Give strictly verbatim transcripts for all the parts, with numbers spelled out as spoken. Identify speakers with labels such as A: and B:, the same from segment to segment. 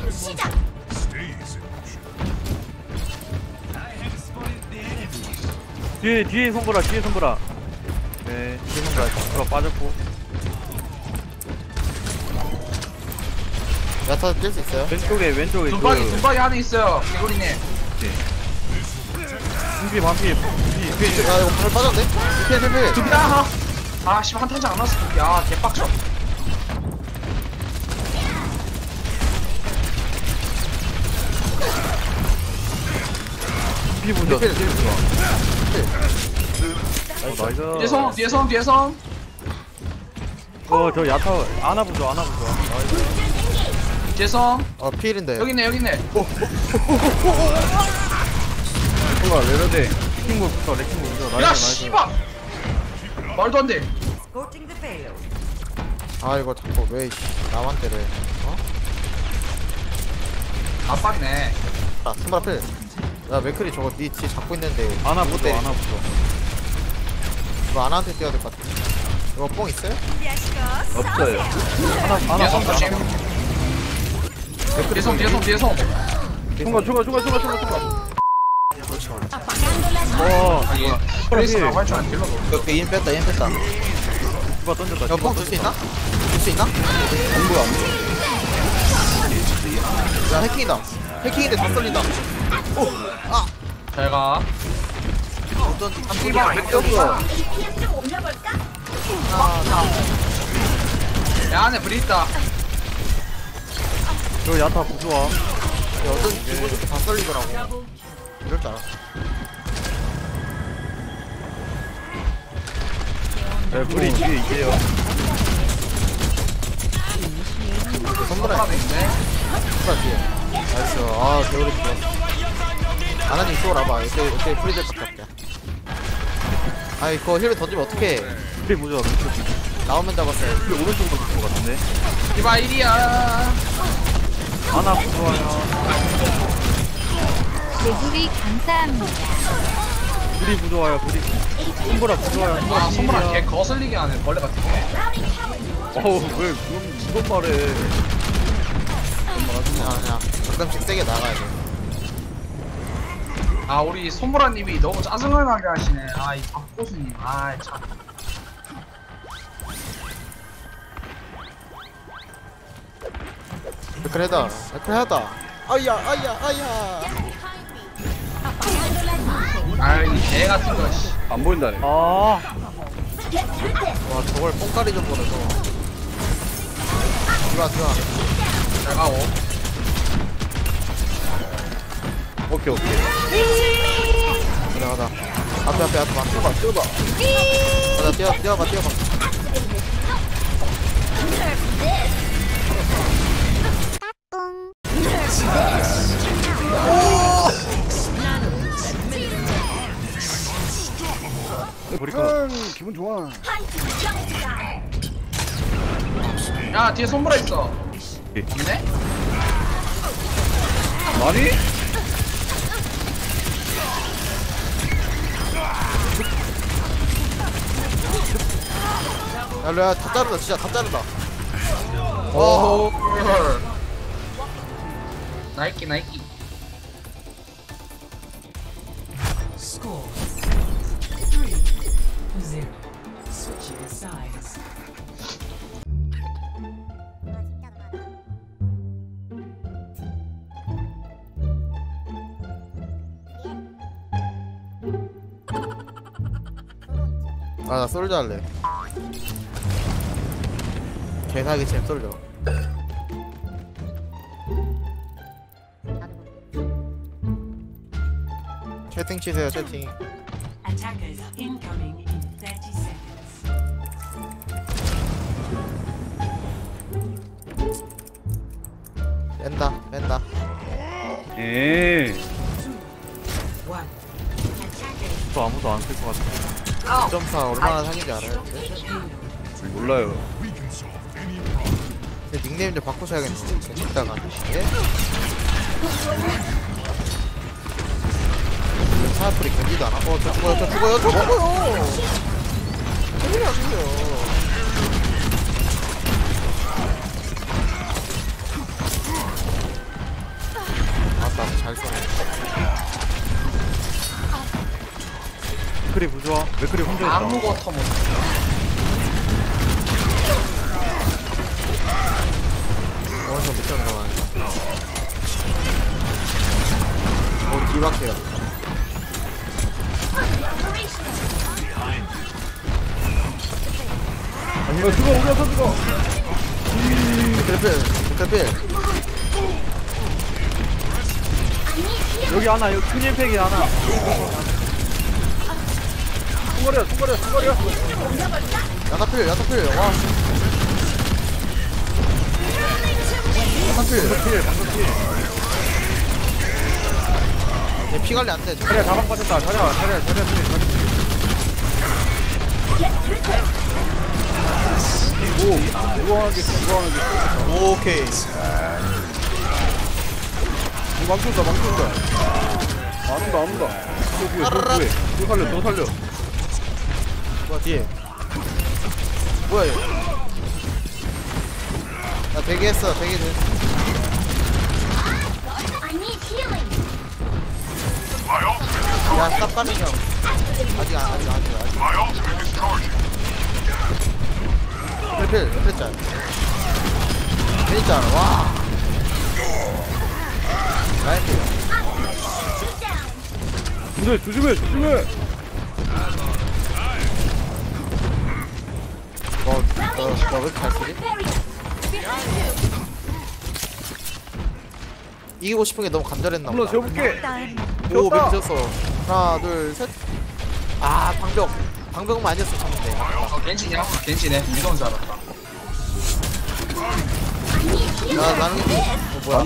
A: 시작.
B: 뒤에 뒤에 손보라 뒤에 손보라. 네 뒤에 손보라 손보라 빠졌고.
C: 야타 뛸 수 있어요?
B: 왼쪽에 왼쪽에
D: 눈박이
B: 그
D: 눈박이 안에 있어요. 개구리님.
B: 준비 반피 준비 뒤에
C: 야 이거 발 빠졌네? 필 필 필.
D: 두비야. 아 씨발 한 탄장 안 왔어. 야 개빡쳐.
B: 준비 보자.
C: 필 필.
B: 어, 나이스.
D: 뒤에 성 뒤에 성 뒤에 성.
B: 어저 야타 안아 보죠 안아 보죠. 나이스.
D: 뒤에 성.
C: 어 필인데.
D: 여기 있네 여기 있네.
B: 뭔가 레벨대 레킹볼부터 레킹볼부터 나이스
D: 야
B: 나이스.
D: 씨발. 말도 안 돼.
C: 아 이거 자꾸 왜 나만 때려? 어?
D: 압박이네.
C: 아 스마라 필. 야 맥클이 저거 니 뒤 잡고 있는데.
B: 안아
C: 못
B: 보죠
C: 때리-
B: 안아 보죠.
C: 이거 아나한테 뛰어야 될 것 같아. 이거 뽕 있어요?
B: 없어요. 하나
D: 뒤에
B: 하나
D: 성 조심. 뒤에 성 뒤에 성 뒤에 성.
B: 총괄 총괄 총괄 총괄 총괄 총괄.
A: Apagando las
B: 와
D: 아니 프레스라고 할줄 안 길러도.
C: 이거 인 뺐다 인 뺐다.
B: 누가 던졌다.
C: 이거 뽕 줄 수 있나? 줄 수 있나?
B: 안 보여 안 보여.
C: 야 해킹이다. 해킹인데 다 썰린다.
D: 잘 가.
C: 어떤 한
D: 씨발 왜 꼈어?
A: 에이피엠 좀 올려볼까?
D: 야 안에 브리 있다.
B: 저 야타 부좋아.
C: 어떤 기분 좋게 다 썰리더라고. 이럴 줄 알았어.
B: 네 불이 뒤에 있게요.
C: 선물아
D: 하나 있네.
C: 선물아 뒤에. 나이스. 아 개우리 좋았어. 아나님 쏘라 봐. 이때 이때 프리들 밖에. 아이 그거 힐을 던지면 어떡해.
B: 불이 부좋아.
C: 나오면 잡았어요.
B: 불이 오른쪽으로 붙은 것 같은데.
D: 이봐 일이야.
B: 하나 부좋아요.
E: 개구리 감사합니다.
B: 불이 부좋아요. 불이. 손보라 부좋아요.
D: 아 선물아 개 거슬리게 하네 벌레 같은 거.
B: 어우 왜 그런 그런 말해.
C: 그냥 그냥 가끔씩 세게 나가야 돼.
D: 아 우리 손보라님이 너무 짜증을 나게 하시네. 아이 박고수님. 아이 참.
C: 그래다. 그래다. 아야 아야 아야.
D: 아이 개 같은 거. 씨.
B: 안 보인다네. 아
C: 와 저걸 뽕까리 좀 보내서. 들어와 들어와.
D: 잘 가고.
B: 오케이 오케이.
C: 들어가다. 앞에 앞에 앞에 앞에. 뛰어봐 뛰어봐. 가자 뛰어 뛰어봐 뛰어봐.
B: 보니까 기분 좋아.
D: 야 뒤에 손보라 있어.
B: 예.
D: 없네?
B: 많이?
C: 야 루야 다 자르다 진짜 다 자르다.
D: 오. 나이키 나이키.
F: Score three zero. Switching sides.
C: 아 나 솔져 할래. 개사기 챔 솔져. 채팅 치세요 채팅.
F: Attackers incoming in thirty seconds.
C: 뺀다 뺀다.
B: 예.
F: One.
B: 또 아무도 안 쓸 것 같아.
C: 점사 얼마나 사기인지 알아요?
B: 몰라요.
C: 제 닉네임 좀 바꾸셔야겠네. 이따가. 예? 차프리 견디도 안 하. 어, 저 죽어요, 저 죽어요, 저 죽어요. 왜 안 죽어요?
B: 맥크리 부좋아. 맥크리 혼자 있다.
D: 아무것도 못.
C: 원서 못 들어가네. 오, 뒤박해요.
B: 이거 죽어, 우려서 죽어.
C: 그래필, 그래필.
B: 여기 하나, 여기 큰 임팩이 하나. 총거리야, 총거리야, 총거리야.
C: 야타필, 야타필. 와. 야타필.
B: 필, 방금 필.
C: 얘 피관리 안 돼.
B: 자리야, 다방 빠졌다. 자리야, 자리야, 자리야, 필, 자리야, 필. 오, 무거하게, 무거하게.
C: 오케이.
B: 망친다, 망친다. 안 온다, 안 온다. 저 뒤에, 저 뒤에. 저 살려, 저 살려.
C: 뭐야, 뒤에. 뭐야, 얘. 나 대기했어, 대기 돼. 야, 딱 빠는 형. 아직 안, 아직, 아직, 아직. 필필, 필짤. 필짤, 와. 라이프.
B: 근데 조심해, 조심해.
C: 뭐, 너, 너 왜 이렇게 잘 쓰지? 이기고 싶은 게 너무 간절했나
B: 물론
C: 보다.
B: 재볼게.
C: 오, 맵 졌어. 하나, 둘, 셋. 아, 방벽. 방벽만 아니었어, 참는데.
D: 어, 겐지냐? 겐지네. 무서운 줄 알았다.
C: 나, 나는, 어, 뭐야?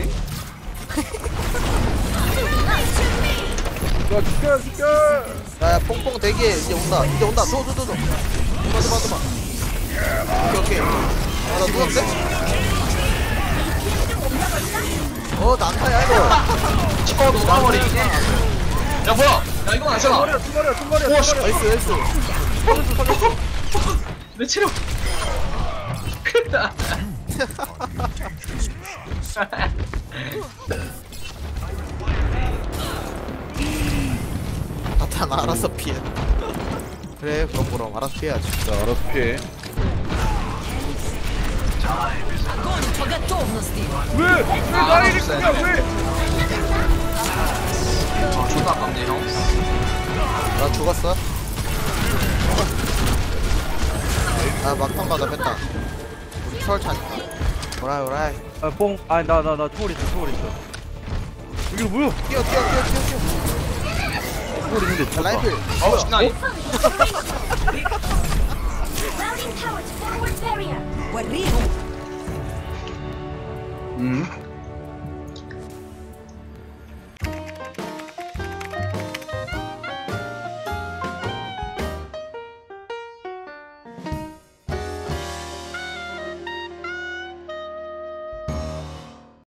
B: 야, 죽여, 죽여.
C: 야, 야, 뽕뽕 대기해. 이제 온다. 이제 온다. 도, 도, 도, 도. 도마, 도마, 도마. 오케이, 오케이. 아, 나 누웠는데? 어, 난타야, 이거.
D: 치과도 나머리. 야 뭐야? 야 이건 아잖아.
B: 총거리야, 총거리야, 총거리야.
D: 오, 씨.
C: 나이스, 나이스.
B: 살렸어, 살렸어.
D: 내 체력. 크다.
C: 나탄 알아서 피해. 그래, 그럼 그럼 알아서 피해야지.
B: 자, 알아서 피해. 왜? 왜 나를 이렇게 야 왜?
D: 아 존나 아깝네 형.
C: 나 죽었어? 아, 막판 가다 뺐다. 우리 추월 차니까. 오라이, 오라이.
B: 아, 뽕. 아, 나, 나, 나 초월 있어, 초월 있어. 이게 뭐야?
C: 뛰어, 뛰어, 뛰어, 뛰어, 뛰어.
B: 초월 있는데
C: 야,
B: 죽었다.
C: 라이플.
D: 어우 신나이.
F: وريهم
D: 음.